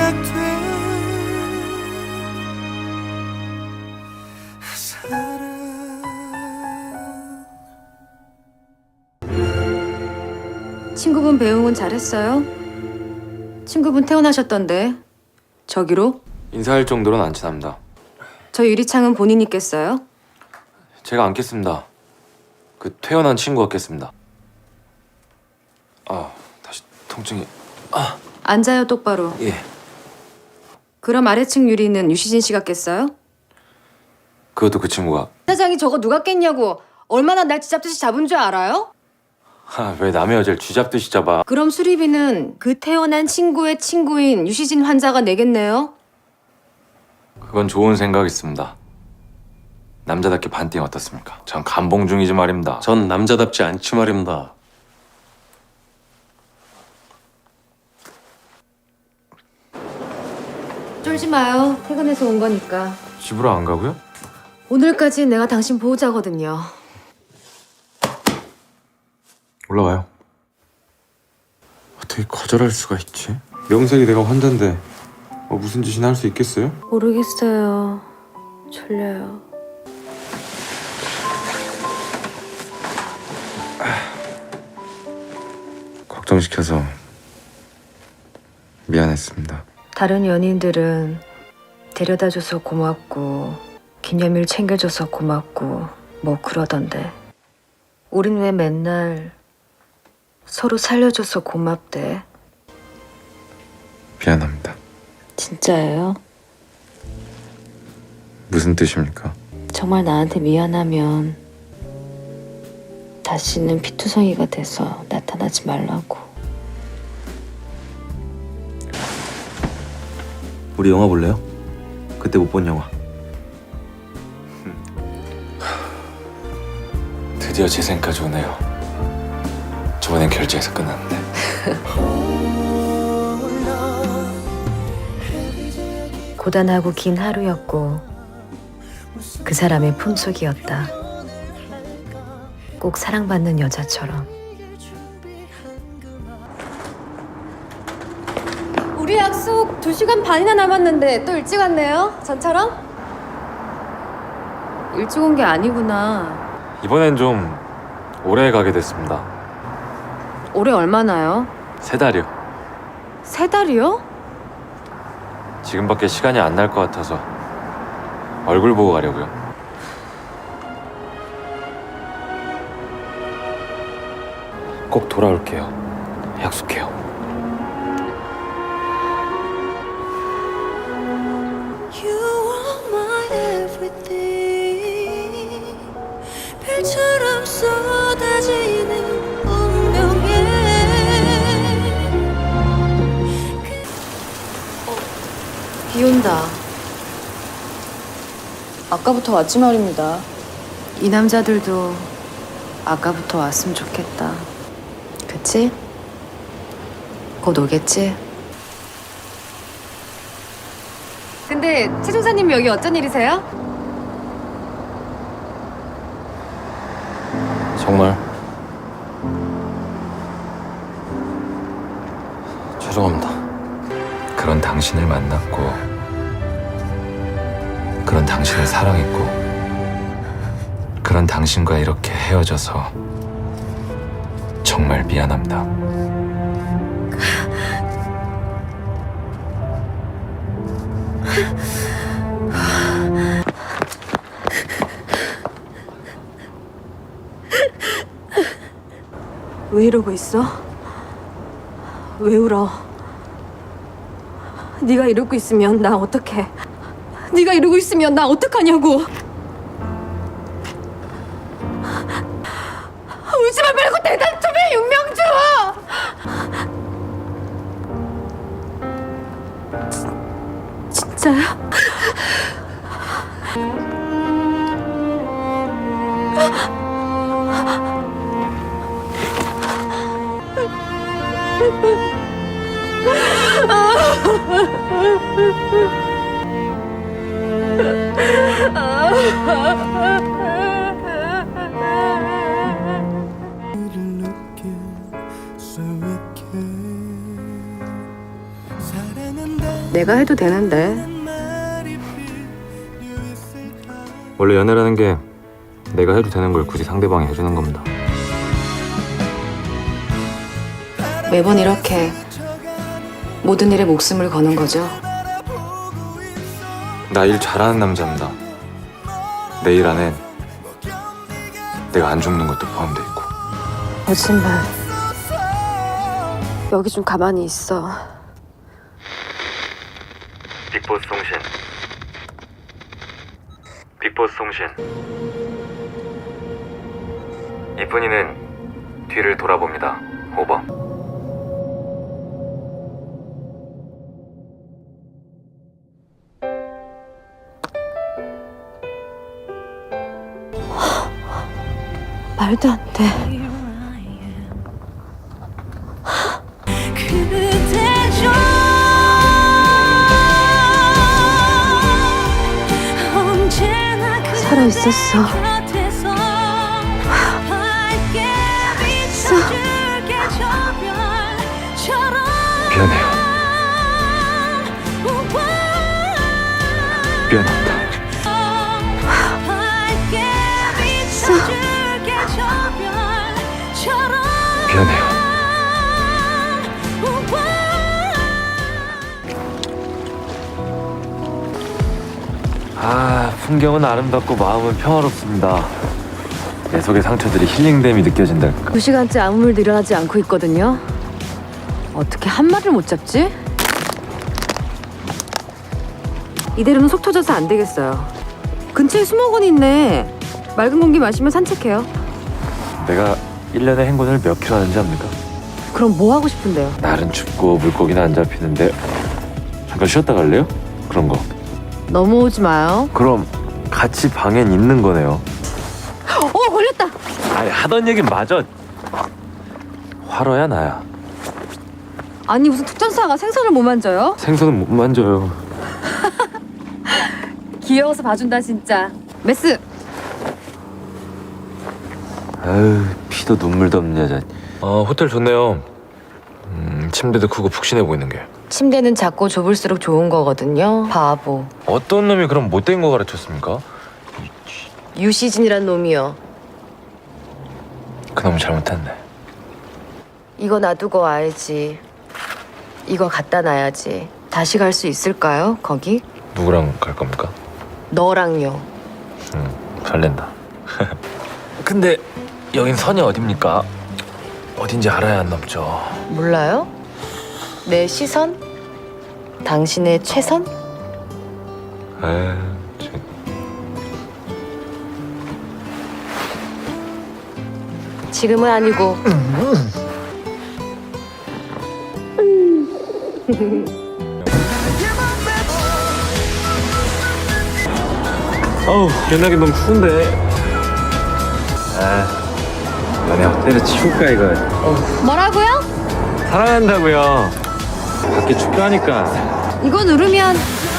시작된 사랑. 친구분 배웅은 잘했어요? 친구분 퇴원하셨던데 저기로? 인사할 정도로는 안 친합니다. 저 유리창은 본인이 깼어요? 제가 안 깼습니다. 그 퇴원한 친구가 깼습니다. 다시 통증이. 앉아요 똑바로. 예. 그럼 아래층 유리는 유시진 씨가 깼어요? 그것도 그 친구가. 사장이 저거 누가 깼냐고. 얼마나 날 쥐잡듯이 잡은 줄 알아요? 왜 남의 여자를 쥐잡듯이 잡아. 그럼 수리비는 그 퇴원한 친구의 친구인 유시진 환자가 내겠네요? 그건 좋은 생각 있습니다. 남자답게 반띵 어떻습니까? 전 감봉 중이지 말입니다. 전 남자답지 않지 말입니다. 쫄지 마요. 퇴근해서 온 거니까. 집으로 안 가고요? 오늘까지 내가 당신 보호자거든요. 올라와요. 어떻게 거절할 수가 있지? 명색이 내가 환자인데 무슨 짓이나 할 수 있겠어요? 모르겠어요. 졸려요. 걱정시켜서 미안했습니다. 다른 연인들은 데려다줘서 고맙고 기념일 챙겨줘서 고맙고 뭐 그러던데 우린 왜 맨날 서로 살려줘서 고맙대? 미안합니다. 진짜예요? 무슨 뜻입니까? 정말 나한테 미안하면 다시는 피투성이가 돼서 나타나지 말라고. 우리 영화 볼래요? 그때 못 본 영화. 드디어 재생까지 오네요. 저번엔 결제해서 끝났는데. 고단하고 긴 하루였고 그 사람의 품속이었다. 꼭 사랑받는 여자처럼. 우리 약속 2시간 반이나 남았는데 또 일찍 왔네요? 전처럼? 일찍 온 게 아니구나. 이번엔 좀 오래 가게 됐습니다. 올해 얼마나요? 3달이요. 3달이요? 지금밖에 시간이 안 날 것 같아서 얼굴 보고 가려고요. 꼭 돌아올게요. 약속해요. You are my everything. 별처럼 쏟아지는 운명에. 비 온다. 아까부터 왔지 말입니다. 이 남자들도 아까부터 왔으면 좋겠다. 그치? 곧 오겠지? 근데 최 중사님 여기 어쩐 일이세요? 정말 죄송합니다. 그런 당신을 만났고 그런 당신을 사랑했고 그런 당신과 이렇게 헤어져서 정말 미안합니다. 왜 이러고 있어? 왜 울어? 네가 이러고 있으면 나 어떡해? 네가 이러고 있으면 나 어떡하냐고? 울지마 말고 대답 좀 해, 윤명주! 진짜야? 이를 느낄 수 있게 사랑한다. 내가 해도 되는데. 원래 연애라는 게 내가 해도 되는 걸 굳이 상대방이 해주는 겁니다. 매번 이렇게 모든 일에 목숨을 거는 거죠. 나 일 잘하는 남자입니다. 내 일 안엔 내가 안 죽는 것도 포함돼 있고. 거짓말. 여기 좀 가만히 있어. 빅보스 통신. 빅보스 통신. 이쁜이는 뒤를 돌아봅니다. 오버. 말도 안 돼. 그대죠 언제나 살아 있었어. 곁에서 밝게 비춰줄게 저 별처럼 미안해요. 미안합니다. 밝게 비춰줄게 저 별처럼 미안해요. 아, 풍경은 아름답고 마음은 평화롭습니다. 내 속의 상처들이 힐링됨이 느껴진달까. 2시간째 아무 일도 일어나지 않고 있거든요. 어떻게 한 마리를 못 잡지? 이대로는 속 터져서 안 되겠어요. 근처에 수목원 있네. 맑은 공기 마시며 산책해요. 내가 1년에 행군을 몇 킬로 하는지 압니까? 그럼 뭐 하고 싶은데요? 날은 춥고 물고기는 안 잡히는데 잠깐 쉬었다 갈래요? 그런 거. 넘어오지 마요. 그럼 같이 방엔 있는 거네요. 걸렸다. 아니, 하던 얘긴 맞아. 화로야 나야. 아니 무슨 특전사가 생선을 못 만져요? 생선은 못 만져요. 귀여워서 봐준다 진짜. 메스. 아유, 피도 눈물도 없는 여자. 호텔 좋네요. 침대도 크고 푹신해 보이는 게. 침대는 작고 좁을수록 좋은 거거든요. 바보. 어떤 놈이 그럼 못된 거 가르쳤습니까? 유시진이란 놈이요. 그놈 잘못했네. 이거 놔두고 와야지. 이거 갖다 놔야지. 다시 갈 수 있을까요? 거기? 누구랑 갈 겁니까? 너랑요. 설렌다. 근데 여긴 선이 어딥니까? 어딘지 알아야 안 넘죠. 몰라요? 내 시선? 당신의 최선? 에이, 지금은 아니고. 어우, 연락이 너무 추운데. 연애 호텔에 치울까 이거. 뭐라고요? 사랑한다고요. 밖에 춥다니까. 이거 누르면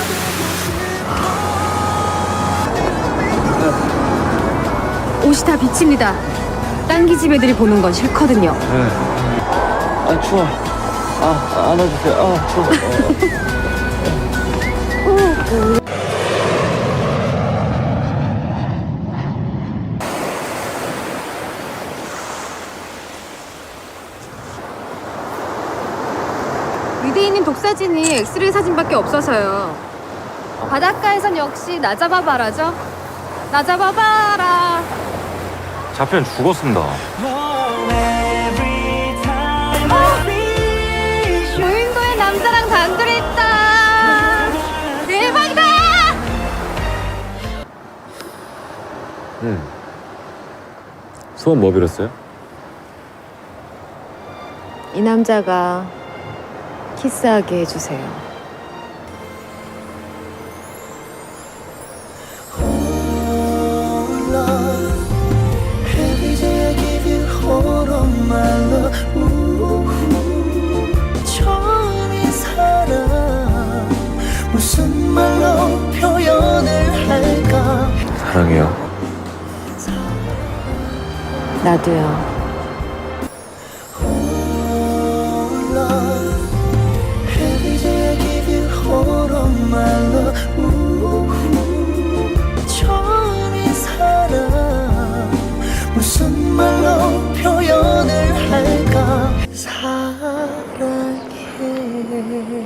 옷이 다 비칩니다. 딴기 집 애들이 보는 건 싫거든요. 아, 추워. 안아주세요. 추워. 위대에 있는 독사진이 엑스레이 사진밖에 없어서요. 바닷가에선 역시 나 잡아봐라죠. 나 잡아봐라. 잡히면 죽었습니다. 무인도에 남자랑 단둘이 있다. 대박이다. 소원 뭐 빌었어요? 이 남자가 키스하게 해주세요. Every day I give you all of my love. 처음인 사랑 무슨 말로 표현을 할까? 사랑해요. 나도요.